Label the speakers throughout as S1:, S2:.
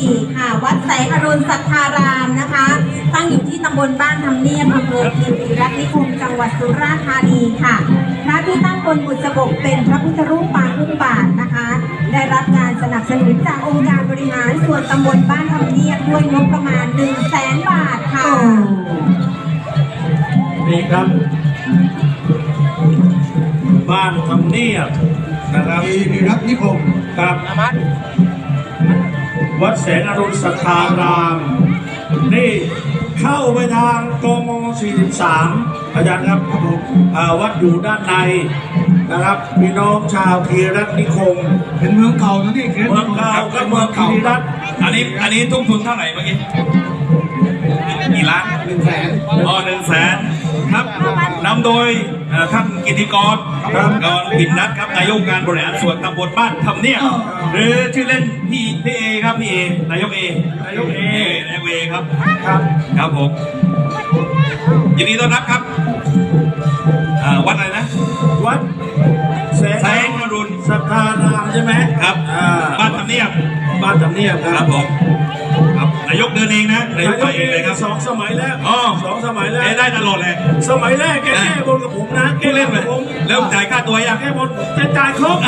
S1: 4ค่ะวัดแสงอรุณสัทธารามนะคะตั้งอยู่ที่ตำบลบ้านทำเนียบอำเภอคีรีรัตน์นิคมจังหวัดสุราษฎร์ธานีค่ะพระที่ตั้งบนบุษบกเป็นพระพุทธรูปปางอุ้มบาทนะคะได้รับการสนับสนุนจากองค์การบริหารส่วนตำบลบ้านทำเนียบด้วยงบประมาณ 100,000 บาทค่ะ
S2: นี่ครับบ้านทำเนียบนะครับ
S3: คีรีรัตน์นิคม
S2: ครับวัดแสงอรุณสัทธารามนี่เข้าไปทางกม43อาจารย์ครับวัดอยู่ด้านในนะครับพี่น้องชาวคีรีรัตน์นิคม
S3: เป็นเมืองเก่านะนี่
S2: เมืองเก่าก็เมืองคีรีรัตน์
S4: อันนี้ทุ่มทุนเท่าไหร่เมื่อกี้กี่ล้าน
S3: 100,000
S4: อ๋อ100,000ครับนำโดยท่านกิติกรกรปิ่นนัทครับนายกการบริหารส่วนตำบลบ้านทำเนียบหรือชื่อเล่นพี่เอครับพี่เอนายกเครับครับผมยินดีต้อนรับครับวัดอะไรนะ
S2: วัดแสงอรุณสัทธารามใช่ไหม
S4: ครับบ้านทำเนียบ
S2: ครับ
S4: ผมครับนายกเดินเองนะนายกไปเองเลยครับ
S2: 2 สมัยแรก2 สมัยแรก
S4: ได้ตลอดเลย
S2: สมัยแรกแก้บนกับผมนะ
S4: แก้เล่นเลยแล้วจ่ายค่าตัวยัง
S2: แก้บนจะจ่ายครบ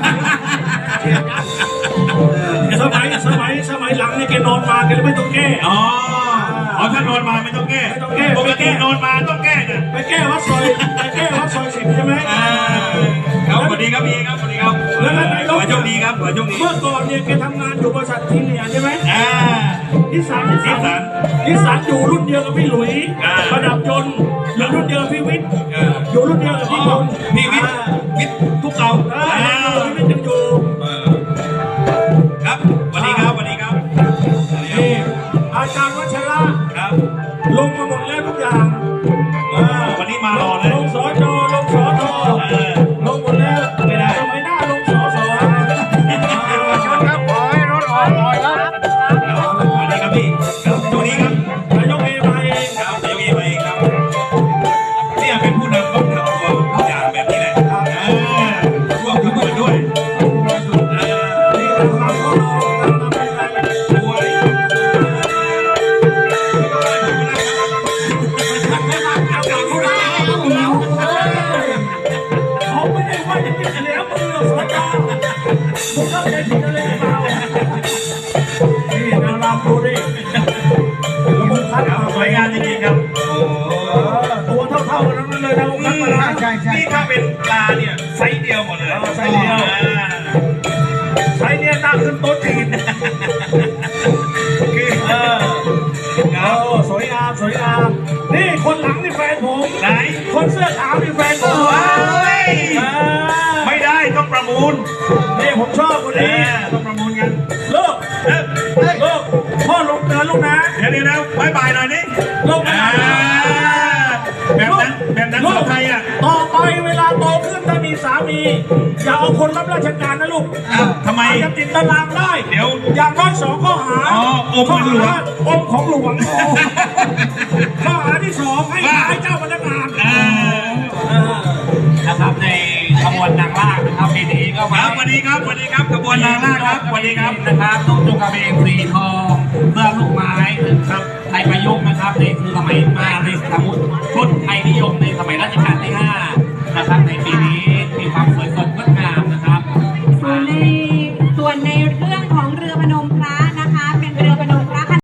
S2: สมัยหลังเนี่ยแกนอนมาแกไม่ต้องแก้
S4: ถ้านอนมาไม่ต้องแก้ปกตินอนมาต้องแก้นะ
S2: ไปแก้วัดซอย10ใช่ไหม
S4: ครับสวัสดีครับพี่ครับสวัสดีครับ
S2: แล้วนายก
S4: โชคดีครับโชคดี
S2: เมื่อก่อนเนี่ยแกทำงานอยู่บริษัททีเนี่ยใช่ไหมนิสสันอยู่รุ่นเดียวกับพี่หลุยประดับยนต์อยู่รุ่นเดียวกับพี่วิทย์อยู่รุ่นเดียวกับพี่พงศ์
S4: พี่วิทย์ทุกเก่า
S2: พี่วิทย์ยังอยู่
S4: ครับสวัสดีครับ
S2: นี่อาจารย์วัชระ
S4: ครับ
S2: ลงมาหมดแล้วทุกอย่าง
S4: วันนี้มารอเลย
S2: ลงสจลงหมดแล้วไม่ได้สมัยหน้าลงสส
S3: ครับขอให้รถออกหน่อยครับ
S4: สวัสดีครับพี่ครับสวัสดีครับ
S2: นายกเอมาเอง
S4: ครับนายกเอมาเองครับเนี่ยเป็นผู้นำต้องทำทุกอย่างแบบนี้แหละร่วมกันด้วย
S2: นี่ทำเขาผมเข้าใจผิดอะไรเปล่านี่นารามดูดิระบบคัด
S4: สวยงามจริงๆครับ
S2: ตัวเท่ากันนั้นเลยนะคัดมาแล้ว
S4: นี่ถ้าเป็นปลาเนี่ยไซส์เดียวหมดเลย
S2: ไซส์เนี่ยนั่งขึ้นโต๊ะจีนคือสวยงามนี่คนหลังนี่แฟนผม
S4: ไหน
S2: คนเสื้อขาวนี่แฟนผม
S4: ไม่ได้ต้องประมูล
S2: นี่ผมชอบคนนี้
S4: ต้องประมูลกัน
S2: ลูกพ่อลงเดินลูกนะ
S4: เดี๋ยวบายบายหน่อยนี่
S2: ลูก
S4: แบบนั้นลูก
S2: ไทยอ่ะต่อไปเวลาโตขึ้นถ้ามีสามีอย่าเอาคนรับราชการนะลูก
S4: ทำไม
S2: จะติดตารางได้
S4: เดี๋ยว
S2: อย่างน้อย2 ข้อหา
S4: อมหลวง
S2: อมของหลวงข้อหาที่2ให้ขายเจ้าพนักงาน
S3: นะครับในขบวนนางลากนะครับปีนี้ก็
S4: มาสวัสดีครับขบวนนางลากครับสวัสดีครับ
S3: นะครับต้องจุกกระเบนฟรี